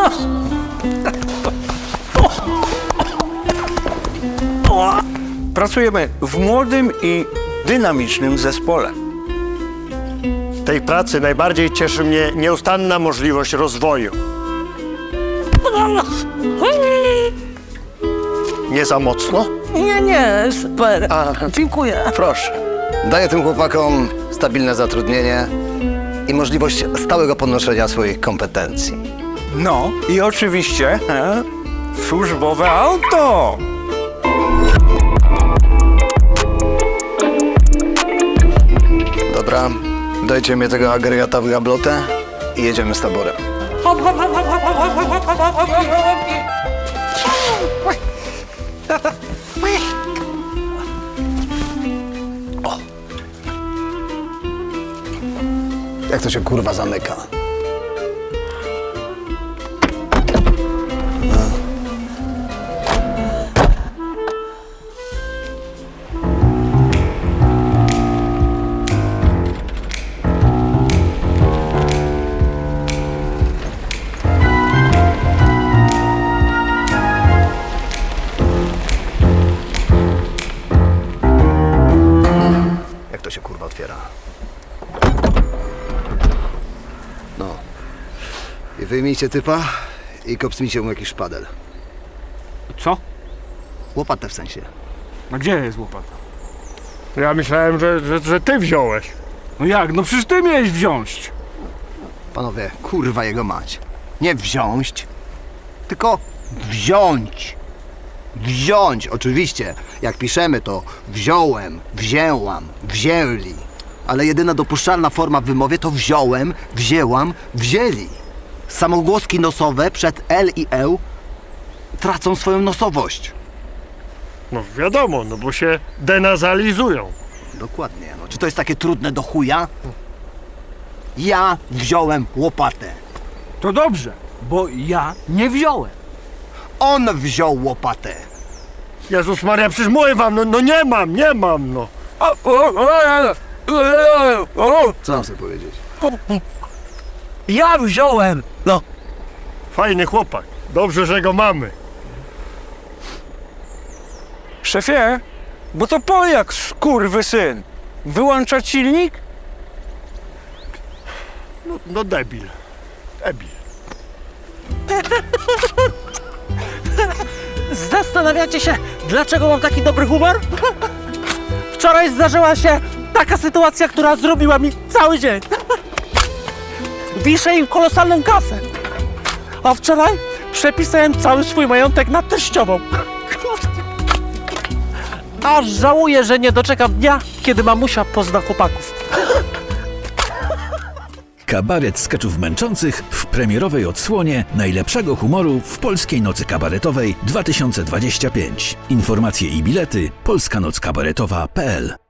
Pracujemy w młodym i dynamicznym zespole. W tej pracy najbardziej cieszy mnie nieustanna możliwość rozwoju. Nie za mocno? Nie, super. Dziękuję. Proszę. Daję tym chłopakom stabilne zatrudnienie i możliwość stałego podnoszenia swoich kompetencji. No i oczywiście służbowe auto. Dobra, dajcie mi tego agregata w gablotę i jedziemy z taborem. O. Jak to się kurwa zamyka? Jak to się kurwa otwiera? No. I wyjmijcie typa i kopsnijcie mu jakiś szpadel. Co? Łopatę w sensie. A gdzie jest łopata? Ja myślałem, że ty wziąłeś. No jak? No przecież ty miałeś wziąć. Panowie, kurwa jego mać. Nie wziąć, tylko wziąć. Wziąć, oczywiście. Jak piszemy to wziąłem, wzięłam, wzięli. Ale jedyna dopuszczalna forma w wymowie to wziąłem, wzięłam, wzięli. Samogłoski nosowe przed L i E tracą swoją nosowość. No wiadomo, no bo się denazalizują. Dokładnie. No, czy to jest takie trudne do chuja? Ja wziąłem łopatę. To dobrze, bo ja nie wziąłem. On wziął łopatę. Jezus Maria, przecież mówię wam, no nie mam, no. Co mam sobie powiedzieć? Ja wziąłem. No. Fajny chłopak. Dobrze, że go mamy. Szefie, bo to Polak, skurwysyn. Wyłączać silnik? No debil. Debil. Zastanawiacie się, dlaczego mam taki dobry humor? Wczoraj zdarzyła się taka sytuacja, która zrobiła mi cały dzień. Wiszę im kolosalną kasę. A wczoraj przepisałem cały swój majątek na teściową. Aż żałuję, że nie doczekam dnia, kiedy mamusia pozna chłopaków. Kabaret skeczów męczących w premierowej odsłonie najlepszego humoru w Polskiej Nocy Kabaretowej 2025. Informacje i bilety polskanockabaretowa.pl